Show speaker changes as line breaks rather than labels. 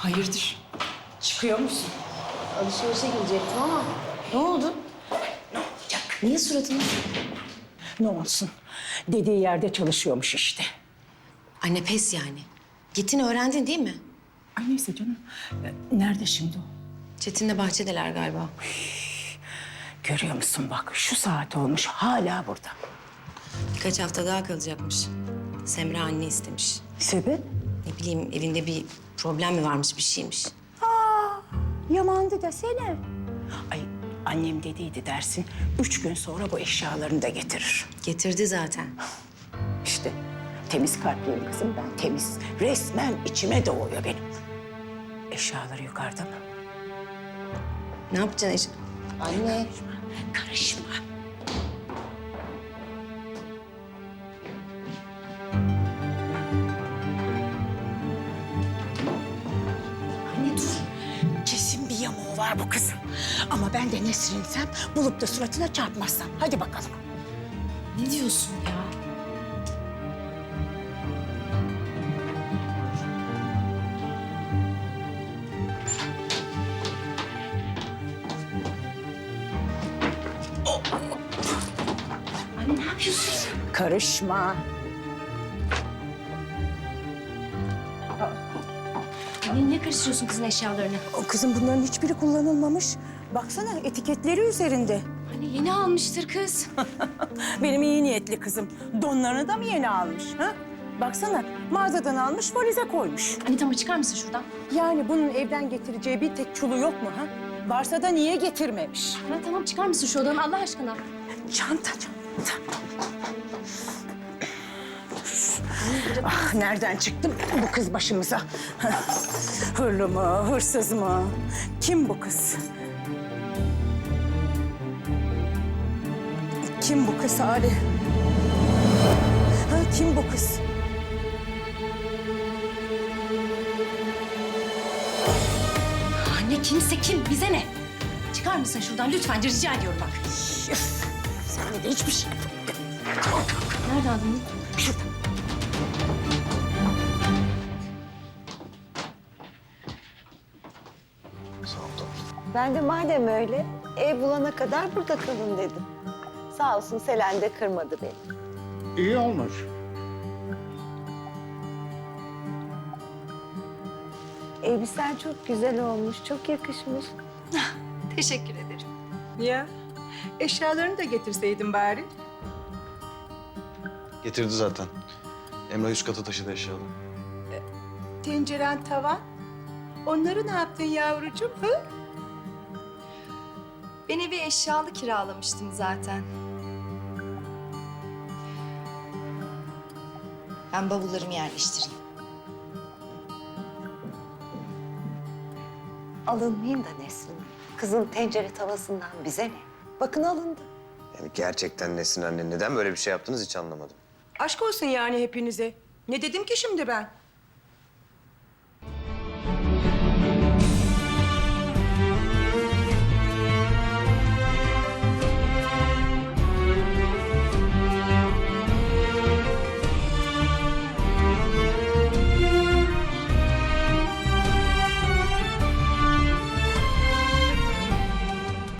Hayırdır? Çıkıyor musun?
Alışverişe gidecektim ama ne oldu?
Ne olacak?
Niye suratını?
Ne olsun? Dediği yerde çalışıyormuş işte.
Anne pes yani. Gittin öğrendin değil mi?
Ay neyse canım. Nerede şimdi o?
Çetin'le bahçedeler galiba.
Görüyor musun bak şu saat olmuş hala burada.
Birkaç hafta daha kalacakmış. Semra anne istemiş.
Sebep?
Ne bileyim evinde bir problem mi varmış bir şeymiş.
Yamandı desene. Ay annem dediydi dersin. 3 gün sonra bu eşyalarını da getirir.
Getirdi zaten.
İşte temiz kalpliyim kızım ben temiz. Resmen içime doğuyor benim. Eşyaları yukarıda mı?
Ne yapacaksın? Anne.
Karışma.
Anne dur.
Kesin bir yamuğu var bu kızın. Ama ben de Nesrin'sem bulup da suratına çarpmazsam. Hadi bakalım.
Ne diyorsun ya? Anne ne yapıyorsun?
Karışma.
Anne niye karıştırıyorsun kızın eşyalarını?
O kızın bunların hiçbiri kullanılmamış. Baksana etiketleri üzerinde.
Anne yeni almıştır kız.
Benim iyi niyetli kızım. Donlarını da mı yeni almış? Ha? Baksana mağazadan almış valize koymuş.
Anne tamam çıkar mısın şuradan?
Yani bunun evden getireceği bir tek çulu yok mu ha? Varsa da niye getirmemiş?
Tamam çıkar mısın şu odadan Allah aşkına?
Çanta. Ah, nereden çıktı bu kız başımıza? Hırlı mı, hırsız mı? Kim bu kız? Kim bu kız Ali? Ha, kim bu kız?
Anne kimse kim bize ne? Çıkar mısın şuradan lütfen rica ediyorum bak.
Üf, sen de hiçbir şey yapamıyorsun.
Nerede adamın?
Şurada.
Ben de madem öyle ev bulana kadar burada kalın dedim. Sağ olsun Selen de kırmadı beni.
İyi olmuş.
Elbisen çok güzel olmuş, çok yakışmış.
Teşekkür ederim.
Ya eşyalarını da getirseydin bari.
Getirdi zaten. Emrah üst kata taşıdı eşyaları.
Tenceren, tavan. Onları ne yaptın yavrucuğum? Hı?
Ben evi eşyalı kiralamıştım zaten. Ben bavullarımı yerleştireyim.
Alınmayayım da Nesrin. Kızın tencere tavasından bize ne? Bakın alındı.
Yani gerçekten Nesrin anne neden böyle bir şey yaptınız hiç anlamadım.
Aşk olsun yani hepinize. Ne dedim ki şimdi ben?